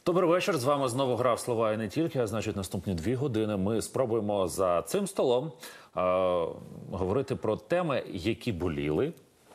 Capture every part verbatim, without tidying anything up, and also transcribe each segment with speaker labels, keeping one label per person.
Speaker 1: Добрий вечір. З вами знову гра в слова і не тільки. А значить, наступні дві години ми спробуємо за цим столом е говорити про теми, які боліли,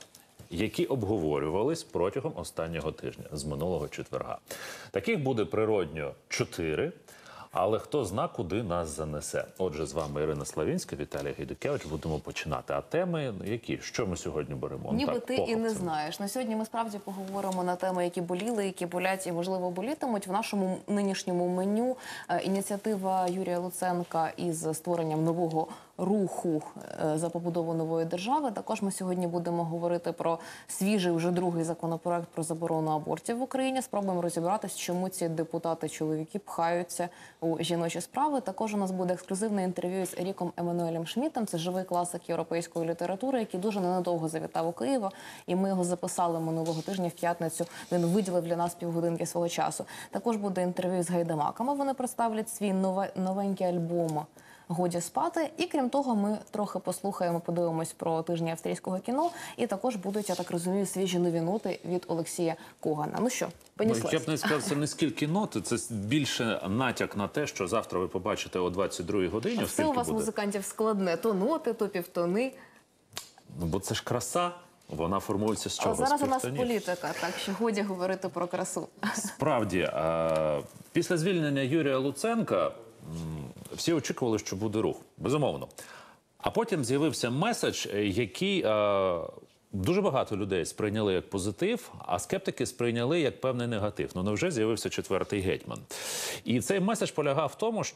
Speaker 1: які обговорювались протягом останнього тижня, з минулого четверга. Таких буде природньо чотири, але хто зна, куди нас занесе. Отже, з вами Ірина Славінська, Віталій Гайдукевич. Будемо починати. А теми які? Що ми сьогодні беремо?
Speaker 2: Ніби
Speaker 1: так,
Speaker 2: ти і не знаєш. На сьогодні ми справді поговоримо на теми, які боліли, які болять і, можливо, болітимуть. В нашому нинішньому меню ініціатива Юрія Луценка із створенням нового руху за побудову нової держави. Також ми сьогодні будемо говорити про свіжий, вже другий законопроект про заборону абортів в Україні. Спробуємо розібратися, чому ці депутати-чоловіки пхаються у жіночі справи. Також у нас буде ексклюзивне інтерв'ю з Еріком Еммануелем Шмідтом. Це живий класик європейської літератури, який дуже ненадовго завітав у Києва. І ми його записали минулого тижня в п'ятницю. Він виділив для нас півгодинки свого часу. Також буде інтерв'ю з гайдамаками. Вони представлять свій нове, новенький альбом «Годі спати». І крім того, ми трохи послухаємо, подивимось про тижні австрійського кіно. І також будуть, я так розумію, свіжі нові ноти від Олексія Когана. Ну що, понеслась?
Speaker 1: Я б не сказав, це не скільки ноти, це більше натяк на те, що завтра ви побачите о двадцять другій годині.
Speaker 2: А все у вас, буде... музикантів, складне. То ноти, то півтони.
Speaker 1: Ну, бо це ж краса. Вона формується з чого?
Speaker 2: А зараз у нас політика, так що годі говорити про красу. Справді,
Speaker 1: після звільнення Юрія Луценка всі очікували, що буде рух. Безумовно. А потім з'явився меседж, який е, дуже багато людей сприйняли як позитив, а скептики сприйняли як певний негатив. Ну, невже з'явився четвертий гетьман? І цей меседж полягав в тому,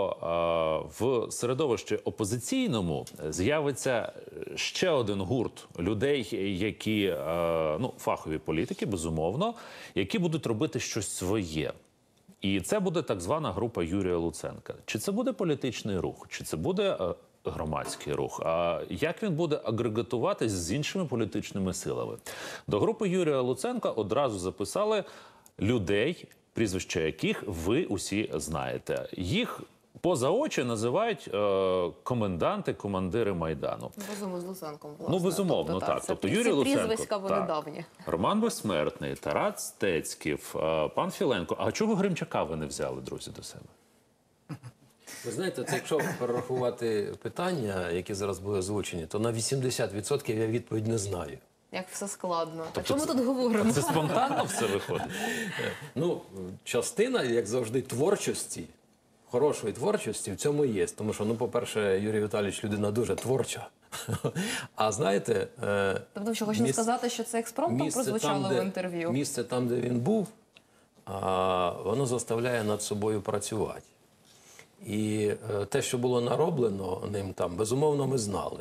Speaker 1: що е, в середовищі опозиційному з'явиться ще один гурт людей, які, е, ну, фахові політики, безумовно, які будуть робити щось своє. І це буде так звана група Юрія Луценка. Чи це буде політичний рух, чи це буде е, громадський рух? А як він буде агрегатуватись з іншими політичними силами? До групи Юрія Луценка одразу записали людей, прізвища яких ви усі знаєте. Їх поза очі називають е, коменданти, командири Майдану.
Speaker 2: Разом з Луценком, власне.
Speaker 1: Ну, безумовно, тобто, так. так. Тобто, Юрій Луценко,
Speaker 2: прізвиська вони
Speaker 1: так.
Speaker 2: давні.
Speaker 1: Роман Безсмертний, Тарас Стецьків, е, пан Філенко. А чого Гримчака ви не взяли, друзі, до себе?
Speaker 3: Ви знаєте, це якщо перерахувати питання, які зараз були озвучені, то на вісімдесят відсотків я відповідь не знаю.
Speaker 2: Як все складно.
Speaker 1: Тобто
Speaker 2: а чому
Speaker 1: це,
Speaker 2: тут говоримо?
Speaker 1: Це спонтанно все виходить?
Speaker 3: Ну, частина, як завжди, творчості, хорошої творчості в цьому є. Тому що, ну, по-перше, Юрій Віталійович людина дуже творча. А знаєте...
Speaker 2: Тобто, що хочете сказати, що це експромтом прозвучало в інтерв'ю?
Speaker 3: Місце там, де він був, а, воно заставляє над собою працювати. І е, те, що було нароблено ним там, безумовно, ми знали.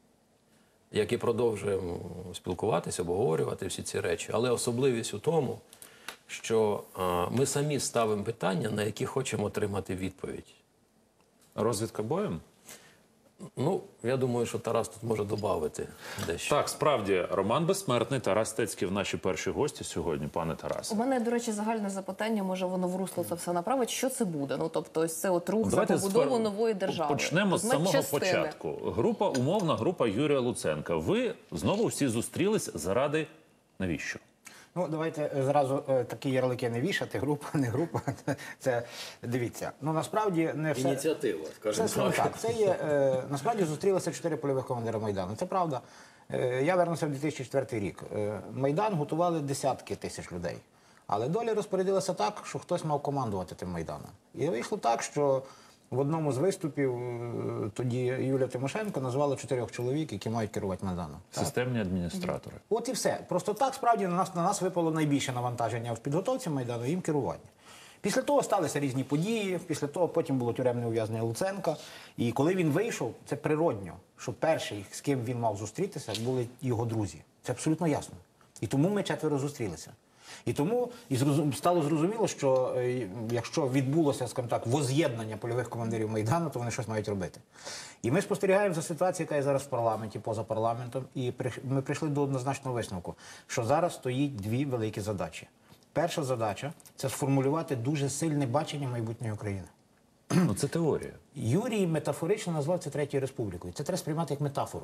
Speaker 3: Як і продовжуємо спілкуватися, обговорювати всі ці речі. Але особливість у тому, що е, ми самі ставимо питання, на які хочемо отримати відповідь.
Speaker 1: Розвідка боєм?
Speaker 3: Ну, я думаю, що Тарас тут може додати дещо.
Speaker 1: Так, справді, Роман Безсмертний, Тарас Стецьків, наші перші гості сьогодні, пане Тарасе.
Speaker 2: У мене, до речі, загальне запитання, може воно в русло це все направить. Що це буде? Ну, тобто, ось це от рух за побудову нової держави.
Speaker 1: Почнемо з самого частини. початку. Група, умовна група Юрія Луценка. Ви знову всі зустрілись заради навіщо?
Speaker 4: Ну, давайте зразу е, такі ярлики не вішати, група, не група. Це, дивіться, ну, насправді не все...
Speaker 3: Ініціатива, скажімо
Speaker 4: це, так. так. Це є, е, насправді зустрілися чотири польових командира Майдану. Це правда. Е, я вернувся в дві тисячі четвертий рік. Е, Майдан готували десятки тисяч людей. Але доля розпорядилася так, що хтось мав командувати тим Майданом. І вийшло так, що в одному з виступів тоді Юлія Тимошенко назвала чотирьох чоловік, які мають керувати Майданом.
Speaker 1: Системні адміністратори.
Speaker 4: От і все. Просто так, справді, на нас, на нас випало найбільше навантаження в підготовці Майдану, їм керування. Після того сталися різні події, після того потім було тюремне ув'язнення Луценка. І коли він вийшов, це природньо, що перший, з ким він мав зустрітися, були його друзі. Це абсолютно ясно. І тому ми четверо зустрілися. І тому і зрозум... стало зрозуміло, що е, якщо відбулося, скажімо так, воз'єднання польових командирів Майдану, то вони щось мають робити. І ми спостерігаємо за ситуацією, яка є зараз в парламенті, поза парламентом, і при... ми прийшли до однозначного висновку, що зараз стоїть дві великі задачі. Перша задача – це сформулювати дуже сильне бачення майбутньої України.
Speaker 1: Ну, це теорія.
Speaker 4: Юрій метафорично назвав це Третьою Республікою. Це треба сприймати як метафору.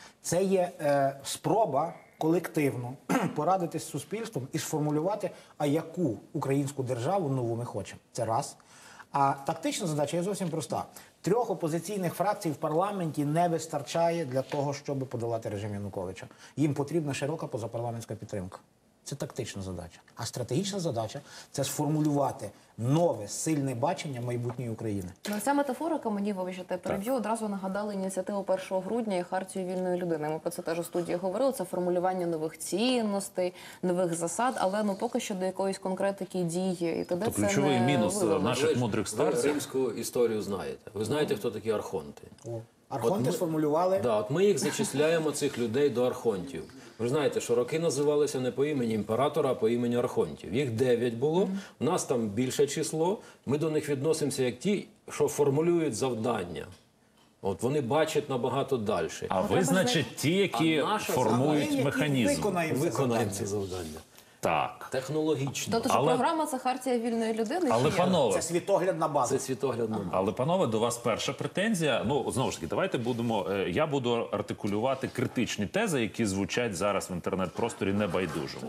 Speaker 4: Це є е, спроба колективно порадитись з суспільством і сформулювати, а яку українську державу нову ми хочемо. Це раз. А тактична задача є зовсім проста. Трьох опозиційних фракцій в парламенті не вистачає для того, щоб подолати режим Януковича. Їм потрібна широка позапарламентська підтримка. Це тактична задача. А стратегічна задача – це сформулювати нове, сильне бачення майбутньої України.
Speaker 2: Ну, ця метафорика мені, вибачте, переб'ю, одразу нагадала ініціативу першого грудня і Хартію вільної людини. Ми про це теж у студії говорили. Це формулювання нових цінностей, нових засад, але ну поки що до якоїсь конкретики дії і т.д.
Speaker 1: То
Speaker 2: це
Speaker 1: ключовий
Speaker 2: не
Speaker 1: мінус
Speaker 2: виявлено.
Speaker 1: наших
Speaker 3: Ви ж-
Speaker 1: мудрих
Speaker 3: Ви
Speaker 1: старців.
Speaker 3: римську історію знаєте. Ви знаєте, хто такі архонти?
Speaker 4: Архонти
Speaker 3: От ми-
Speaker 4: сформулювали...
Speaker 3: Да, от ми їх зачисляємо, цих людей, до архонтів. Ви ж знаєте, що роки називалися не по імені імператора, а по імені архонтів. Їх дев'ять було, у нас там більше число. Ми до них відносимося як ті, що формулюють завдання. От вони бачать набагато далі.
Speaker 1: А ви, значить, ті, які
Speaker 3: А наша
Speaker 1: формують
Speaker 4: Ми, які
Speaker 1: механізм.
Speaker 4: виконаємо це
Speaker 3: Виконаємо
Speaker 4: завдання.
Speaker 3: це завдання.
Speaker 1: Так.
Speaker 3: Технологічно.
Speaker 2: Тобто, що
Speaker 1: Але-
Speaker 2: програма – це Хартія вільної людини?
Speaker 1: Але,
Speaker 2: чи як?
Speaker 1: панове,
Speaker 4: Це світоглядна база.
Speaker 3: Це світоглядно.
Speaker 1: Але, панове, до вас перша претензія. Ну, знову ж таки, давайте будемо. е, Я буду артикулювати критичні тези, які звучать зараз в інтернет-просторі небайдужому.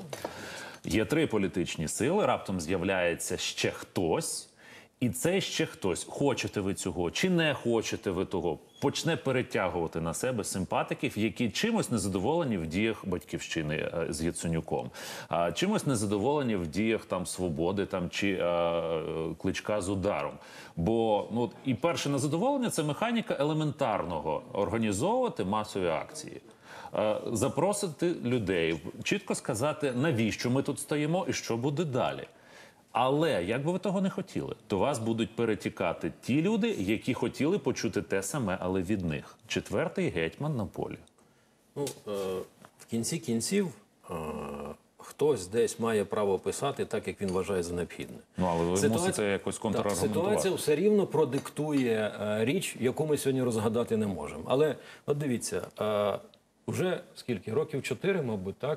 Speaker 1: Є три політичні сили, раптом з'являється ще хтось, і цей ще хтось, хочете ви цього чи не хочете ви того, почне перетягувати на себе симпатиків, які чимось незадоволені в діях Батьківщини е, з Яценюком, а чимось незадоволені в діях там Свободи там чи е, Кличка з ударом. Бо ну от і перше незадоволення це механіка елементарного організовувати масові акції. Е, Запросити людей, чітко сказати, навіщо ми тут стоїмо і що буде далі. Але, як би ви того не хотіли, до вас будуть перетікати ті люди, які хотіли почути те саме, але від них. Четвертий гетьман на полі.
Speaker 3: Ну, е, в кінці кінців е, хтось десь має право писати так, як він вважає за необхідне.
Speaker 1: Ну, але ви
Speaker 3: Ситуація-
Speaker 1: мусите якось
Speaker 3: Так,
Speaker 1: контраргументувати.
Speaker 3: ситуація все рівно продиктує е, річ, яку ми сьогодні розгадати не можемо. Але от дивіться, е, вже скільки років чотири, мабуть, так.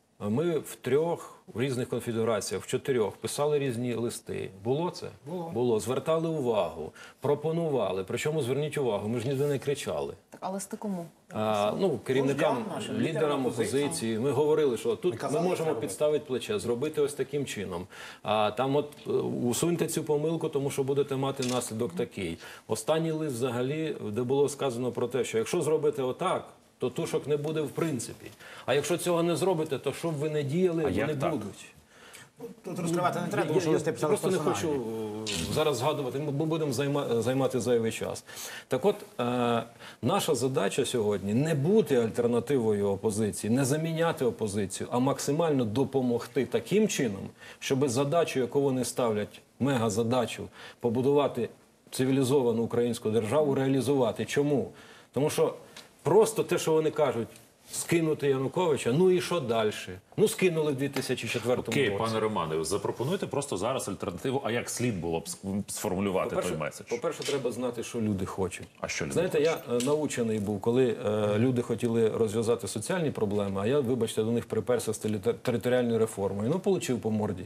Speaker 3: Ми в трьох в різних конфігураціях, в чотирьох писали різні листи. Було це?
Speaker 4: Було.
Speaker 3: Було. Звертали увагу, пропонували. Причому зверніть увагу, ми ж ніде не кричали.
Speaker 2: Так, але з кому?
Speaker 3: А, ну, керівникам,
Speaker 4: Вождям нашим,
Speaker 3: лідерам
Speaker 4: лідерам
Speaker 3: опозиції.
Speaker 4: опозиції.
Speaker 3: Ми говорили, що тут ми,
Speaker 4: казали,
Speaker 3: можемо
Speaker 4: як це
Speaker 3: підставити плече, зробити ось таким чином. А там от е, усуньте цю помилку, тому що будете мати наслідок такий. Останній лист взагалі, де було сказано про те, що якщо зробите отак, то тушок не буде в принципі. А якщо цього не зробите, то що б ви не діяли,
Speaker 1: А
Speaker 3: вони
Speaker 1: як так?
Speaker 3: будуть.
Speaker 4: Тут розкривати не треба,
Speaker 3: Я-
Speaker 4: тому що
Speaker 3: я
Speaker 4: листи писали
Speaker 3: просто не
Speaker 4: персональні.
Speaker 3: хочу е, зараз згадувати, ми будемо займа, займати зайвий час. Так от, е, наша задача сьогодні не бути альтернативою опозиції, не заміняти опозицію, а максимально допомогти таким чином, щоб задачу, яку вони ставлять, мегазадачу, побудувати цивілізовану українську державу, реалізувати. Чому? Тому що просто те, що вони кажуть, скинути Януковича, ну і що далі? Ну, скинули в дві тисячі четвертому
Speaker 1: Окей,
Speaker 3: році.
Speaker 1: пане Романе, запропонуйте просто зараз альтернативу, а як слід було б ск- сформулювати той
Speaker 3: По-перше,
Speaker 1: меседж?
Speaker 3: по-перше, треба знати, що люди хочуть.
Speaker 1: А що люди
Speaker 3: Знаєте, я е, научений був, коли е, люди хотіли розв'язати соціальні проблеми, а я, вибачте, до них приперся з теле- територіальною реформою. Ну, получив по морді.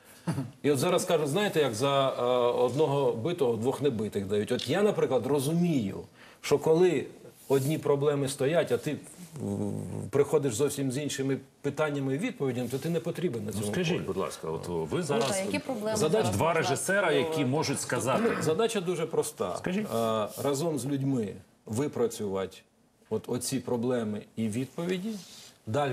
Speaker 3: І от зараз кажуть, знаєте, як за е, одного битого двох небитих дають. От я, наприклад, розумію, що коли одні проблеми стоять, а ти в- приходиш зовсім з іншими питаннями і відповідями, то ти не потрібен на цьому
Speaker 1: Скажіть,
Speaker 3: полі.
Speaker 1: будь ласка, от ви
Speaker 2: Ну,
Speaker 1: зараз
Speaker 2: та, які проблеми
Speaker 3: задач
Speaker 2: зараз
Speaker 1: два
Speaker 2: можна-
Speaker 1: режисера, які можуть сказати.
Speaker 3: Задача дуже проста.
Speaker 1: Скажіть.
Speaker 3: А, разом з людьми випрацювати от оці проблеми і відповіді. Далі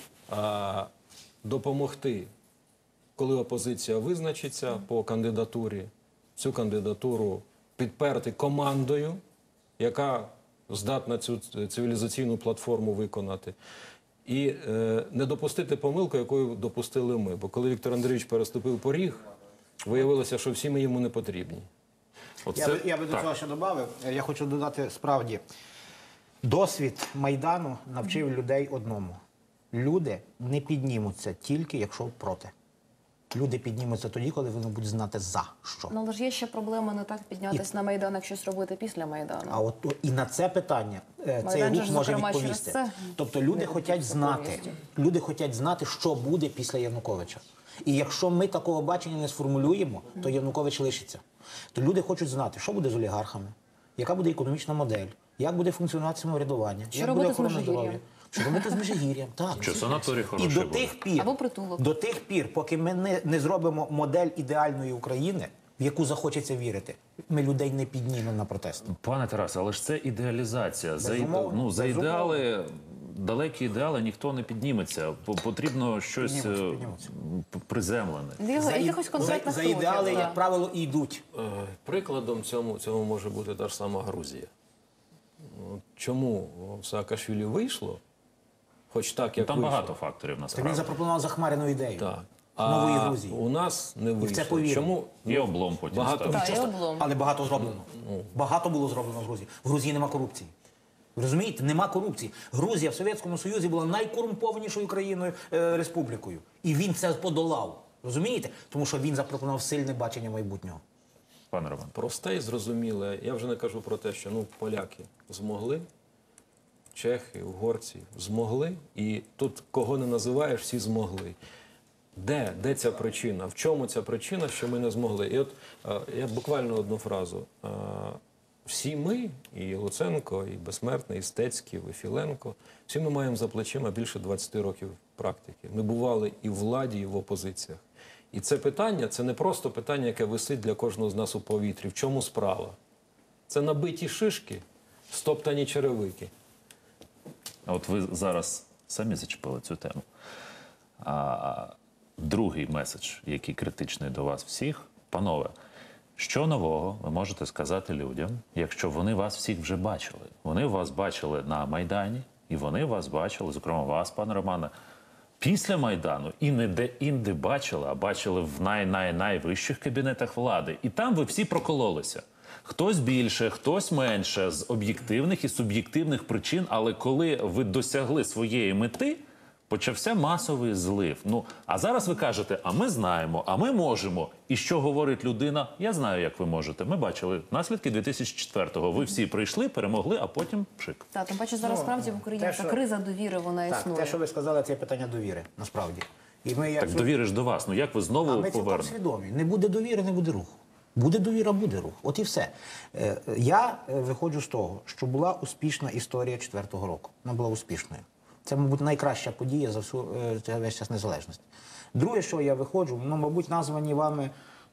Speaker 3: а, допомогти, коли опозиція визначиться по кандидатурі, цю кандидатуру підперти командою, яка здатна цю цивілізаційну платформу виконати. І е, не допустити помилку, якою допустили ми. Бо коли Віктор Андрійович переступив поріг, виявилося, що всі ми йому не потрібні.
Speaker 1: Оце...
Speaker 4: Я, би- я би до
Speaker 1: так.
Speaker 4: цього ще додав. Я хочу додати справді. Досвід Майдану навчив людей одному. Люди не піднімуться тільки, якщо проти. Люди піднімуться тоді, коли вони будуть знати за що.
Speaker 2: Ну, але ж є ще проблема не так піднятися на Майдан, як щось робити після Майдану.
Speaker 4: А от о, і на це питання е, цей
Speaker 2: Майдан же
Speaker 4: рух
Speaker 2: ж,
Speaker 4: може
Speaker 2: зокрема,
Speaker 4: відповісти.
Speaker 2: через це
Speaker 4: Тобто люди
Speaker 2: не
Speaker 4: хочуть
Speaker 2: відбувся
Speaker 4: знати,
Speaker 2: повністю.
Speaker 4: люди хочуть знати, що буде після Януковича. І якщо ми такого бачення не сформулюємо, то Янукович лишиться. То люди хочуть знати, що буде з олігархами, яка буде економічна модель, як буде функціонувати самоврядування,
Speaker 2: Що
Speaker 4: як
Speaker 2: робити
Speaker 4: буде
Speaker 2: з
Speaker 4: охорона
Speaker 2: Межигір'ям?
Speaker 4: здоров'я. Що робити з Межигір'ям, так.
Speaker 1: Що санаторій
Speaker 4: І
Speaker 1: хороший
Speaker 4: до
Speaker 1: буде.
Speaker 4: тих пір,
Speaker 2: Або притулок.
Speaker 4: до тих пір, поки ми не, не зробимо модель ідеальної України, в яку захочеться вірити, ми людей не піднімемо на протест.
Speaker 1: Пане Тарасе, але ж це ідеалізація. За, іде-
Speaker 4: Безумовно,
Speaker 1: ну, за
Speaker 4: безумовно.
Speaker 1: ідеали, далекі ідеали ніхто не підніметься. По- Потрібно щось
Speaker 4: Піднімуться,
Speaker 1: е,
Speaker 4: піднімуться.
Speaker 1: п- приземлене.
Speaker 2: За,
Speaker 4: За, і-
Speaker 2: якихось конкретних
Speaker 4: за, за ідеали,
Speaker 2: кроків,
Speaker 4: як
Speaker 2: так.
Speaker 4: правило, і йдуть.
Speaker 3: Е, Прикладом цьому, цьому може бути та ж сама Грузія. От чому в Саакашвілі вийшло, хоч так, як
Speaker 1: Там
Speaker 3: вийшло.
Speaker 1: багато факторів
Speaker 4: Так він
Speaker 1: насправді.
Speaker 4: запропонував захмарену ідею
Speaker 3: Так.
Speaker 4: нової
Speaker 3: А
Speaker 4: Грузії.
Speaker 3: у нас не вийшло.
Speaker 4: це повірили.
Speaker 3: Чому?
Speaker 1: І облом потім
Speaker 3: багато-
Speaker 1: став.
Speaker 2: Так, і облом.
Speaker 4: Але багато зроблено. Багато було зроблено в Грузії. В Грузії нема корупції. Ви розумієте? Нема корупції. Грузія в Совєтському Союзі була найкорумпованішою країною, е, республікою. І він це подолав. Розумієте? Тому що він запропонував сильне бачення майбутнього.
Speaker 1: Пане Роман.
Speaker 3: Просте і зрозуміле. Я вже не кажу про те, що ну, поляки змогли, чехи, угорці змогли, і тут кого не називаєш, всі змогли. Де? Де ця причина? В чому ця причина, що ми не змогли? І от е, я буквально одну фразу. Е, всі ми, і Луценко, і Безсмертний, і Стецьків, і Філенко, всі ми маємо за плечима більше двадцяти років практики. Ми бували і в владі, і в опозиціях. І це питання, це не просто питання, яке висить для кожного з нас у повітрі. В чому справа? Це набиті шишки, стоптані черевики.
Speaker 1: А от ви зараз самі зачепили цю тему. А другий меседж, який критичний до вас всіх, панове, що нового ви можете сказати людям, якщо вони вас всіх вже бачили? Вони вас бачили на Майдані, і вони вас бачили, зокрема вас, пане Романе, після Майдану, і не де-інде бачили, а бачили в най-най-найвищих кабінетах влади. І там ви всі прокололися. Хтось більше, хтось менше, з об'єктивних і суб'єктивних причин, але коли ви досягли своєї мети, почався масовий злив. Ну, а зараз ви кажете, а ми знаємо, а ми можемо. І що говорить людина? Я знаю, як ви можете. Ми бачили наслідки дві тисячі четвертого. Ви всі прийшли, перемогли, а потім пшик.
Speaker 2: Так, тим паче зараз
Speaker 4: Ну,
Speaker 2: справді в Україні
Speaker 4: те,
Speaker 2: ця
Speaker 4: що-
Speaker 2: криза довіри, вона
Speaker 4: Так,
Speaker 2: існує.
Speaker 4: те, що ви сказали, це питання довіри, насправді. І ми, як
Speaker 1: Так довіриш до вас. Ну як ви знову
Speaker 4: А ми цілком
Speaker 1: повернете?
Speaker 4: свідомі. Не буде довіри, не буде руху. Буде довіра, буде рух. От і все. Е, Я е, виходжу з того, що була успішна історія четвертого року. Вона була успішною. Це, мабуть, найкраща подія за всю е, це весь час незалежності. Друге, що я виходжу, ну, мабуть, названі вами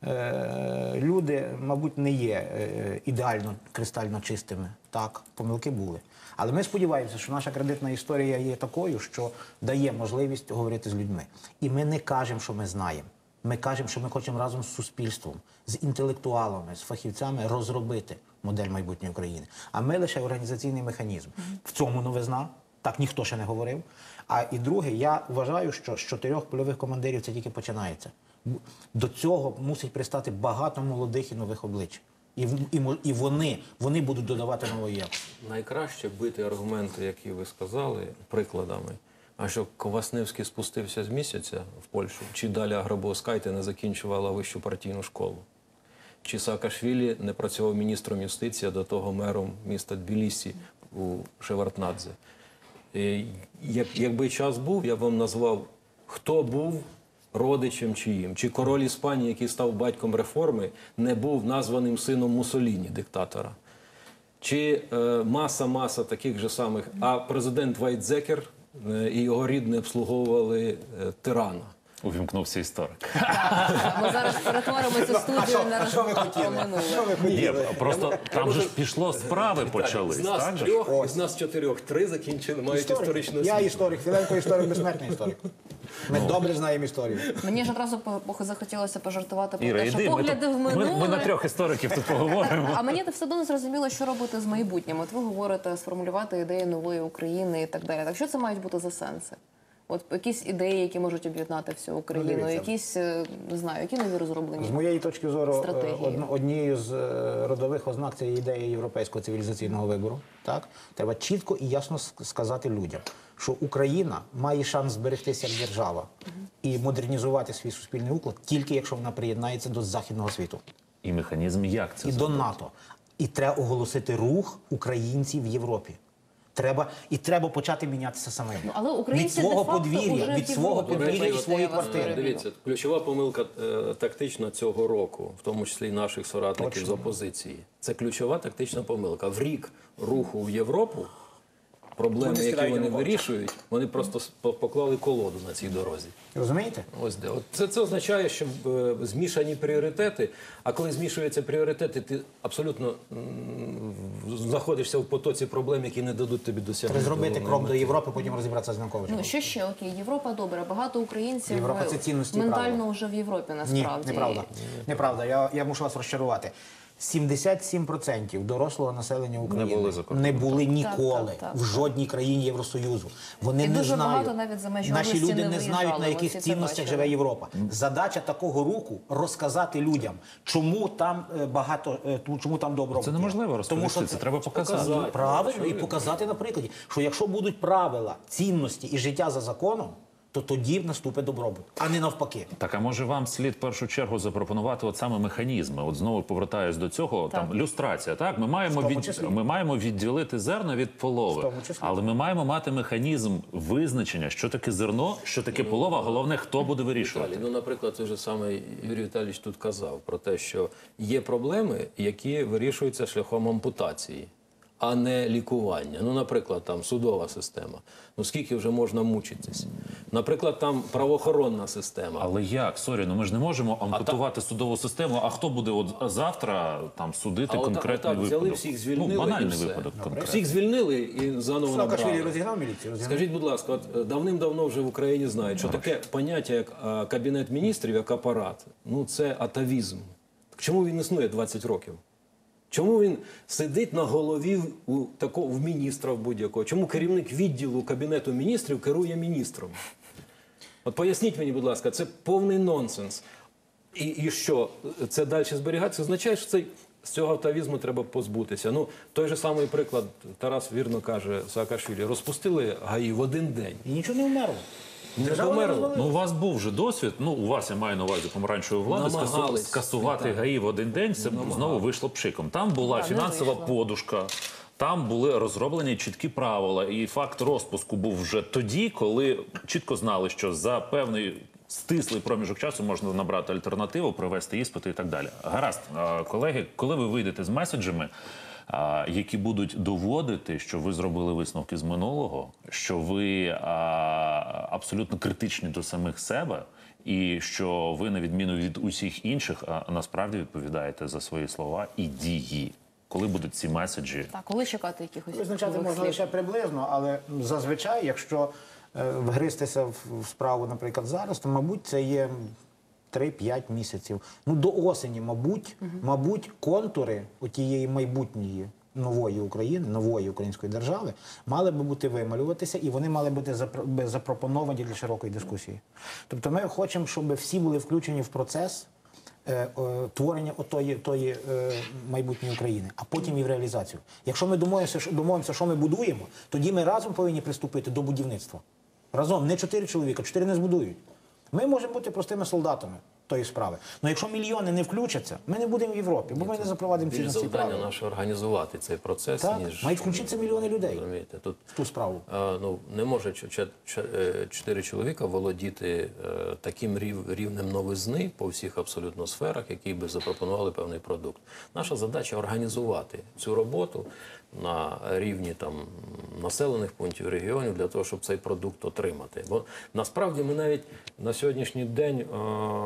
Speaker 4: е, люди, мабуть, не є е, ідеально кристально чистими. Так, помилки були. Але ми сподіваємося, що наша кредитна історія є такою, що дає можливість говорити з людьми. І ми не кажемо, що ми знаємо. Ми кажемо, що ми хочемо разом з суспільством, з інтелектуалами, з фахівцями розробити модель майбутньої України. А ми лише організаційний механізм. В цьому новизна. Так ніхто ще не говорив. А і друге, я вважаю, що з чотирьох польових командирів це тільки починається. До цього мусить пристати багато молодих і нових облич. І, в- і, мо- і вони, вони будуть додавати нової якості.
Speaker 3: Найкраще бити аргументи, які ви сказали, прикладами. А що Ковасневський спустився з місяця в Польщу, чи Даля Грабовскайте не закінчувала вищу партійну школу, чи Саакашвілі не працював міністром юстиції, а до того мером міста Тбілісі у Шеварднадзе. І Як, якби час був, я б вам назвав, хто був родичем чиїм. Чи король Іспанії, який став батьком реформи, не був названим сином Муссоліні, диктатора. Чи маса-маса таких же самих, а президент Вайтзекер е, і його рідні обслуговували е, тирана.
Speaker 1: Увімкнувся історик.
Speaker 2: Ми зараз перетворимо цю студію на
Speaker 4: що ви хотіли?
Speaker 2: про минуле.
Speaker 4: Що ви
Speaker 1: Ні,
Speaker 4: хотіли?
Speaker 1: просто там же ж пішло, справи почались.
Speaker 3: З нас
Speaker 1: Так же ж?
Speaker 3: трьох, з нас чотирьох, три закінчили, мають
Speaker 4: Історик.
Speaker 3: історичну
Speaker 4: Я
Speaker 3: освіту.
Speaker 4: історик, Філенко історик, безсмертний історик. Ми добре знаємо історію.
Speaker 2: Мені ж одразу по- по- захотілося пожартувати про
Speaker 1: Іра,
Speaker 2: те, що
Speaker 1: йди, ми,
Speaker 2: погляди
Speaker 1: тут-
Speaker 2: в
Speaker 1: ми,
Speaker 2: минуле.
Speaker 1: ми на трьох істориків тут поговоримо.
Speaker 2: А мені все одно не зрозуміло, що робити з майбутнім. От ви говорите сформулювати ідеї нової України і так далі. Так що це мають бути за сенси? От якісь ідеї, які можуть об'єднати всю Україну,
Speaker 4: дивіться.
Speaker 2: якісь, е, не знаю, які нові розроблені.
Speaker 4: З моєї точки зору, е,
Speaker 2: Стратегії.
Speaker 4: одно- однією з е, родових ознак це є ідея європейського цивілізаційного вибору. Так? Треба чітко і ясно ск- сказати людям, що Україна має шанс зберегтися як держава і модернізувати свій суспільний уклад тільки якщо вона приєднається до західного світу
Speaker 1: І механізм як це
Speaker 4: і до
Speaker 1: зробити?
Speaker 4: НАТО. І треба оголосити рух українців в Європі. Треба, і треба почати мінятися самим.
Speaker 2: Ну, але українці
Speaker 4: від свого
Speaker 2: де-факто
Speaker 4: подвір'я,
Speaker 2: уже
Speaker 4: від
Speaker 2: в
Speaker 4: свого
Speaker 2: Європі
Speaker 4: подвір'я і
Speaker 2: виходять,
Speaker 4: своєї
Speaker 2: я вас
Speaker 4: квартири.
Speaker 2: переб'ю.
Speaker 3: Дивіться, ключова помилка е, тактична цього року, в тому числі і наших соратників
Speaker 4: Точно.
Speaker 3: з опозиції. Це ключова тактична помилка. В рік руху в Європу проблеми,
Speaker 4: Вони
Speaker 3: які
Speaker 4: стирають
Speaker 3: вони
Speaker 4: Януковича.
Speaker 3: вирішують, вони просто с- по- поклали колоду на цій дорозі.
Speaker 4: Розумієте?
Speaker 3: Ось де. От це, це означає, що е, змішані пріоритети, а коли змішуються пріоритети, ти абсолютно м, знаходишся в потоці проблем, які не дадуть тобі досягнути.
Speaker 4: Треба зробити
Speaker 3: головної
Speaker 4: крок до
Speaker 3: мети.
Speaker 4: Європи, потім розібратися з Януковичем.
Speaker 2: Ну, що ще? Окей, Європа добре. Багато українців
Speaker 4: Європа – це
Speaker 2: е,
Speaker 4: цінності і
Speaker 2: ментально
Speaker 4: правила.
Speaker 2: вже в Європі,
Speaker 4: Ні,
Speaker 2: насправді.
Speaker 4: неправда. Неправда. Я, я мушу вас розчарувати. сімдесят сім відсотків дорослого населення України
Speaker 1: були за кордоном.
Speaker 4: не були ніколи
Speaker 2: Так, так, так,
Speaker 4: в жодній країні Євросоюзу. Вони
Speaker 2: І
Speaker 4: не
Speaker 2: дуже
Speaker 4: знають.
Speaker 2: багато навіть за межі
Speaker 4: Наші
Speaker 2: області
Speaker 4: люди
Speaker 2: не
Speaker 4: не знають,
Speaker 2: виїжджали,
Speaker 4: на
Speaker 2: ви
Speaker 4: яких
Speaker 2: всі це
Speaker 4: цінностях
Speaker 2: бачили.
Speaker 4: живе Європа. Задача такого руху розказати людям, чому там е, багато, е, ту- чому там добробут.
Speaker 1: Це
Speaker 4: є.
Speaker 1: неможливо розповісти,
Speaker 4: Тому що
Speaker 1: це треба показати.
Speaker 3: показати.
Speaker 4: Правильно, і показати на прикладі, що якщо будуть правила, цінності і життя за законом, то тоді наступить добробут, а не навпаки.
Speaker 1: Так, а може вам слід в першу чергу запропонувати от саме механізми? От знову повертаюсь до цього,
Speaker 2: Так.
Speaker 1: там люстрація. Так, ми маємо
Speaker 4: В тому
Speaker 1: від
Speaker 4: числі.
Speaker 1: ми маємо відділити зерно від полови,
Speaker 4: В тому числі.
Speaker 1: але ми маємо мати механізм визначення, що таке зерно, що таке полова. Головне, хто буде вирішувати.
Speaker 3: Віталій, ну, наприклад, той же самий Юрій Віталійович тут казав про те, що є проблеми, які вирішуються шляхом ампутації, а не лікування. Ну, наприклад, там судова система. Ну, скільки вже можна мучитись? Наприклад, там правоохоронна система.
Speaker 1: Але як? Сорі, ну ми ж не можемо ампутувати судову систему. А хто буде от завтра там судити
Speaker 3: А отак-
Speaker 1: конкретний
Speaker 3: отак взяли
Speaker 1: випадок?
Speaker 3: всіх, звільнили
Speaker 1: ну, банальний
Speaker 3: і все.
Speaker 1: випадок конкретний.
Speaker 3: Всіх звільнили і заново
Speaker 4: Саакашвілі
Speaker 3: набрали.
Speaker 4: розігнав міліцію? Розігнав?
Speaker 3: Скажіть, будь ласка, от е, давним-давно вже в Україні знають, що таке поняття, як е, Кабінет міністрів, як апарат, ну це атавізм. Так чому він існує двадцять років? Чому він сидить на голові у такого в міністра в будь-якого? Чому керівник відділу Кабінету міністрів керує міністром? От поясніть мені, будь ласка, це повний нонсенс. І, і що, це далі зберігається? Це означає, що цей, з цього атавізму треба позбутися. Ну, той же самий приклад, Тарас вірно каже, Саакашвілі, розпустили ГАІ в один день.
Speaker 4: І нічого не вмерло.
Speaker 3: Не
Speaker 4: Держава
Speaker 3: померло.
Speaker 4: розвалилась.
Speaker 1: Ну, у вас був вже досвід. Ну, у вас я маю на увазі помаранчевої влади скасу-
Speaker 3: Намагались.
Speaker 1: скасувати
Speaker 3: Так.
Speaker 1: ГАІ в один день. Це знову вийшло пшиком. Там була
Speaker 2: Так, не
Speaker 1: фінансова
Speaker 2: вийшло.
Speaker 1: подушка. Там були розроблені чіткі правила, і факт розпуску був вже тоді, коли чітко знали, що за певний стислий проміжок часу можна набрати альтернативу, провести іспити і так далі. Гаразд, А, колеги, коли ви вийдете з меседжами, а, які будуть доводити, що ви зробили висновки з минулого, що ви а, абсолютно критичні до самих себе, і що ви, на відміну від усіх інших, а, насправді відповідаєте за свої слова і дії. Коли будуть ці меседжі?
Speaker 2: Так, коли чекати якихось
Speaker 4: Визначати
Speaker 2: нових
Speaker 4: можна
Speaker 2: слів?
Speaker 4: лише приблизно, але зазвичай, якщо е, вгристися в, в справу, наприклад, зараз, то, мабуть, це є три-п'ять місяців. Ну, до осені, мабуть, мабуть, контури отієї майбутньої нової України, нової української держави, мали би бути вималюватися, і вони мали бути запро- би запропоновані для широкої дискусії. Тобто ми хочемо, щоб всі були включені в процес е, е, творення отої, тої е, майбутньої України, а потім і в реалізацію. Якщо ми домовимося, що- домовимося, що ми будуємо, тоді ми разом повинні приступити до будівництва. Разом, не чотири чоловіка, чотири не збудують. Ми можемо бути простими солдатами тої справи. Але якщо мільйони не включаться, ми не будемо в Європі, бо ми не запровадимо
Speaker 3: Більш
Speaker 4: цінності
Speaker 3: завдання
Speaker 4: правил.
Speaker 3: наше організувати цей процес,
Speaker 4: Так,
Speaker 3: ніж...
Speaker 4: мають включитися мільйони людей
Speaker 3: Розумієте, тут
Speaker 4: в ту справу.
Speaker 3: е, ну, не може ч- ч- ч- е, чотири чоловіка володіти е, таким рів, рівнем новизни по всіх абсолютно сферах, які би запропонували певний продукт. Наша задача організувати цю роботу на рівні там населених пунктів, регіонів, для того, щоб цей продукт отримати. Бо насправді ми навіть на сьогоднішній день е,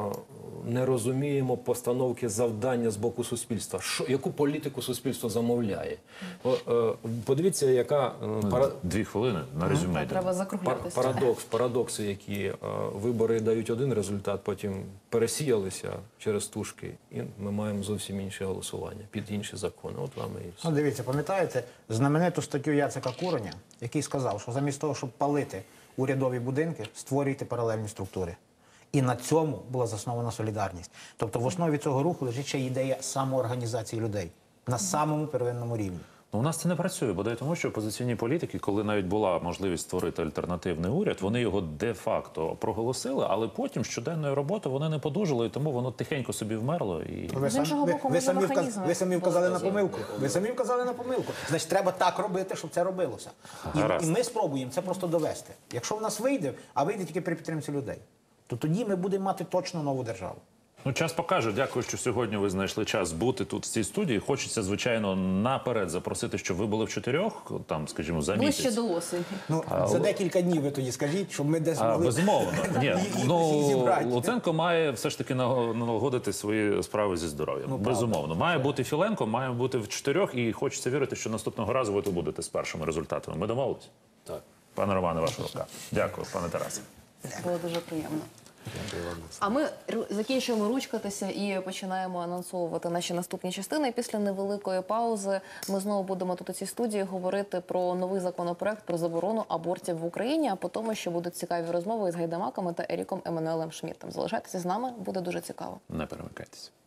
Speaker 3: не розуміємо постановки завдання з боку суспільства. Що, яку політику суспільство замовляє? О, е, подивіться, яка е, пара...
Speaker 1: Дві хвилини на резюме. йдемо.
Speaker 2: Треба
Speaker 3: Пар-
Speaker 2: закруглятися.
Speaker 3: Парадокс, парадокси, які е, вибори дають один результат, потім пересіялися через тушки, і ми маємо зовсім інше голосування під інші закони. От вам і все.
Speaker 4: Ну, дивіться, пам'ятаєте знамениту статтю Яцека Куреня, який сказав, що замість того, щоб палити урядові будинки, створюйте паралельні структури. І на цьому була заснована солідарність. Тобто в основі цього руху лежить ще ідея самоорганізації людей на самому первинному рівні.
Speaker 1: Ну, у нас це не працює, бодай тому, що опозиційні політики, коли навіть була можливість створити альтернативний уряд, вони його де-факто проголосили, але потім щоденною роботою вони не подужали, і тому воно тихенько собі вмерло. І...
Speaker 4: Ви,
Speaker 2: З
Speaker 4: сам-
Speaker 2: іншого
Speaker 4: ви,
Speaker 2: боку,
Speaker 4: ви,
Speaker 2: може,
Speaker 4: самі, вказ,
Speaker 2: механізми
Speaker 4: ви самі вказали на
Speaker 3: показали.
Speaker 4: помилку. Ви самі вказали на помилку. Значить, треба так робити, щоб це робилося. І,
Speaker 1: Гаразд.
Speaker 4: і ми спробуємо це просто довести. Якщо в нас вийде, а вийде тільки при підтримці людей, то тоді ми будемо мати точно нову державу.
Speaker 1: Ну, час покаже. Дякую, що сьогодні ви знайшли час бути тут в цій студії. Хочеться, звичайно, наперед запросити, щоб ви були в чотирьох, там, скажімо, за
Speaker 2: Ближче
Speaker 1: місяць.
Speaker 2: до осені.
Speaker 4: Ну, за декілька днів ви тоді скажіть, щоб ми десь
Speaker 1: А,
Speaker 4: могли...
Speaker 1: безумовно. Ні,
Speaker 4: і- і всіх
Speaker 1: ну,
Speaker 4: зібрати.
Speaker 1: Луценко має все ж таки наго- налагодити свої справи зі здоров'ям.
Speaker 4: Ну,
Speaker 1: безумовно. Має бути Філенко, має бути в чотирьох, і хочеться вірити, що наступного разу ви тут будете з першими результатами. Ми домовились?
Speaker 3: Так.
Speaker 1: Пане Романе, ваша рука. Дякую, пане Тарасе.
Speaker 2: Було дуже приємно. А ми ру- закінчуємо ручкатися і починаємо анонсовувати наші наступні частини. І після невеликої паузи ми знову будемо тут у цій студії говорити про новий законопроект про заборону абортів в Україні, а по тому, що будуть цікаві розмови із Гайдамаками та Еріком Еммануелем Шмідтом. Залишайтеся з нами, буде дуже цікаво.
Speaker 1: Не перемикайтеся.